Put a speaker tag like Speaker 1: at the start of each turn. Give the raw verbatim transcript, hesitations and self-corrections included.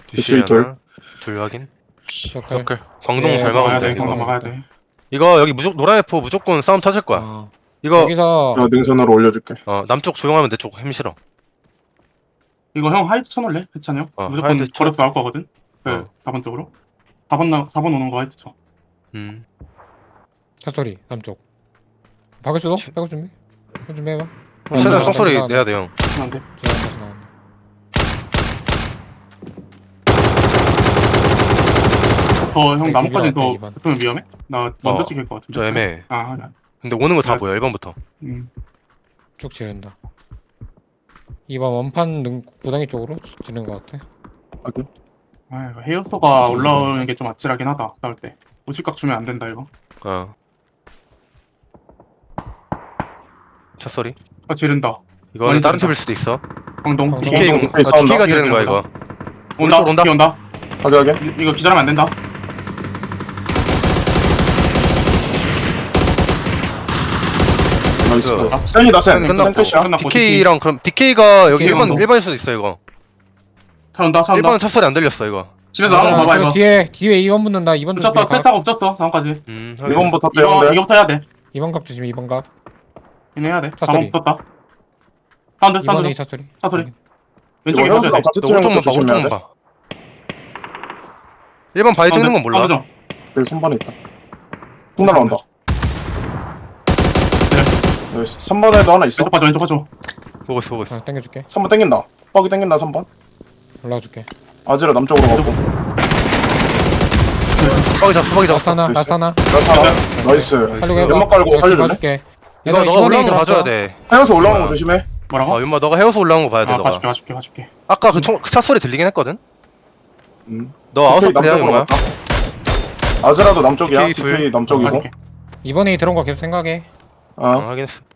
Speaker 1: 뒤시
Speaker 2: 둘.
Speaker 1: 하나 둘 확인.
Speaker 3: 서클.
Speaker 1: 서클 광동
Speaker 3: 예,
Speaker 1: 잘
Speaker 3: 막아야
Speaker 1: 막으면
Speaker 3: 돼,
Speaker 1: 돼
Speaker 3: 광동
Speaker 1: 이거.
Speaker 3: 막아야 돼.
Speaker 1: 이거 여기 무조 노란 F 무조건 싸움 터질 거야.
Speaker 3: 어.
Speaker 1: 이거
Speaker 3: 여기서
Speaker 2: 나 능선으로 올려줄게.
Speaker 1: 어 남쪽 조용하면 내 쪽 힘실어.
Speaker 3: 이거 형 하이트 쳐놓을래? 해찬이 형?
Speaker 1: 어,
Speaker 3: 무조건
Speaker 1: 하이트 쳐.
Speaker 3: 거래도 나올 거거든? 네,
Speaker 1: 어.
Speaker 3: 사 번 쪽으로. 사 번 나, 사 번 오는 거 하이트 쳐.
Speaker 1: 음.
Speaker 3: 차소리, 남쪽. 박을 수도? 백업 준비? 백업 준비해봐.
Speaker 1: 최대한
Speaker 3: 나간다,
Speaker 1: 송소리
Speaker 3: 나간다.
Speaker 1: 내야 돼 형.
Speaker 3: 안 돼. 지나간다, 지나간다. 어, 형
Speaker 1: 네,
Speaker 3: 나뭇가지 더 이 번.
Speaker 1: 어.
Speaker 3: 붙으면 위험해? 나 먼저 찍힐 것 같은데.
Speaker 1: 저 애매해.
Speaker 3: 아, 그래.
Speaker 1: 근데 오는 거 다
Speaker 3: 네.
Speaker 1: 보여 일 번부터.
Speaker 3: 음. 쭉 지른다. 이 번 원판 능, 구덩이 쪽으로 지는 것 같아.
Speaker 2: 확인.
Speaker 3: 아, 이거 헤어소가 올라오는 게 좀 아찔하긴 하다. 나올 때. 우측각 주면 안 된다, 이거.
Speaker 1: 어. 첫 소리.
Speaker 3: 아, 지른다.
Speaker 1: 이거는
Speaker 3: 많이
Speaker 1: 다른
Speaker 3: 지른다.
Speaker 1: 팁일 수도 있어.
Speaker 3: 광동.
Speaker 2: 광동.
Speaker 1: 디케이 공.
Speaker 2: 디케이 싸운다.
Speaker 1: 디케이가 지르는 거야 이거.
Speaker 3: 온다,
Speaker 1: 오른쪽 온다.
Speaker 3: 뒤에 온다.
Speaker 2: 확인하게.
Speaker 3: 이- 이거 기다리면 안 된다.
Speaker 2: 나이스.
Speaker 1: 아,
Speaker 2: 센이다 센.
Speaker 1: 끝났고.
Speaker 2: 센 끝이야.
Speaker 3: 끝났고.
Speaker 1: 디케이랑 그럼 디케이가 여기
Speaker 3: 디케이
Speaker 1: 일 번
Speaker 3: 광동.
Speaker 1: 일 번일 수도 있어 이거.
Speaker 3: 차 온다, 차
Speaker 1: 일
Speaker 3: 온다.
Speaker 1: 번 첫 소리 안 들렸어 이거.
Speaker 3: 집에서 나오는 거 봐봐, 이거.
Speaker 4: 뒤에 뒤에 이 번 붙는다. 이 번
Speaker 3: 붙였다, 패스하고 없었어, 다음까지.
Speaker 1: 음.
Speaker 2: 일 번부터
Speaker 3: 이거,
Speaker 2: 빼면 돼.
Speaker 3: 이거부터 해야 돼.
Speaker 4: 이 번 각 조심. 이 번 각.
Speaker 3: 이거 해야 돼.
Speaker 4: 차
Speaker 3: 다음
Speaker 4: 소리.
Speaker 3: 붙었다. 사운드,
Speaker 4: 이 번에
Speaker 3: 사운드.
Speaker 4: 차 소리.
Speaker 3: 차 소리. 왼쪽에
Speaker 2: 이거
Speaker 3: 맞아야 돼.
Speaker 2: 같이
Speaker 1: 너
Speaker 2: 치는
Speaker 1: 오른쪽만
Speaker 2: 것도
Speaker 1: 봐
Speaker 2: 조심해야
Speaker 1: 오른쪽만
Speaker 2: 돼.
Speaker 1: 봐. 일 번 바위 찍는 건 몰라.
Speaker 3: 사운드 좀.
Speaker 2: 여기 삼 번에 있다. 쭉 날아온다. 나이스. 삼 번에도 하나 있어.
Speaker 3: 왼쪽 봐줘, 왼쪽 봐줘.
Speaker 1: 보고 있어 보고 있어.
Speaker 4: 어, 당겨줄게.
Speaker 2: 삼 번 땡긴다. 뻑이 땡긴다 삼 번.
Speaker 4: 올라와줄게.
Speaker 2: 아지라 남쪽으로 가고.
Speaker 1: 뻑이 잡았어 뻑이
Speaker 4: 라스트
Speaker 1: 잡았어.
Speaker 4: 하나.
Speaker 2: 됐어.
Speaker 4: 라스트 하나.
Speaker 2: 나이스. 나이스.
Speaker 4: 살려고 해봐.
Speaker 2: 연막 깔고
Speaker 4: 이거
Speaker 2: 살려줄래?
Speaker 4: 봐줄게.
Speaker 1: 이거
Speaker 4: 얘들아,
Speaker 1: 너가
Speaker 4: 이번에
Speaker 1: 올라오는 거
Speaker 4: 들어왔어.
Speaker 1: 봐줘야 돼.
Speaker 2: 하여서 올라오는 거 조심해.
Speaker 3: 뭐라고?
Speaker 1: 어 윤마 너가 헤어서 올라오는 거 봐야 돼
Speaker 3: 아,
Speaker 1: 너가.
Speaker 3: 봐줄게, 봐줄게, 봐줄게.
Speaker 1: 아까 그총차 소리 들리긴 했거든.
Speaker 2: 음.
Speaker 1: 너 아웃
Speaker 2: 디케이
Speaker 1: 소리야
Speaker 2: 남쪽으로
Speaker 1: 윤마야.
Speaker 2: 갔다. 아지라도 남쪽이야.
Speaker 1: 디케이 둘.
Speaker 2: 디케이 남쪽이고.
Speaker 3: 봐줄게.
Speaker 4: 이번에 들어온 거 계속 생각해.
Speaker 1: 어
Speaker 2: 어.
Speaker 1: 확인했어.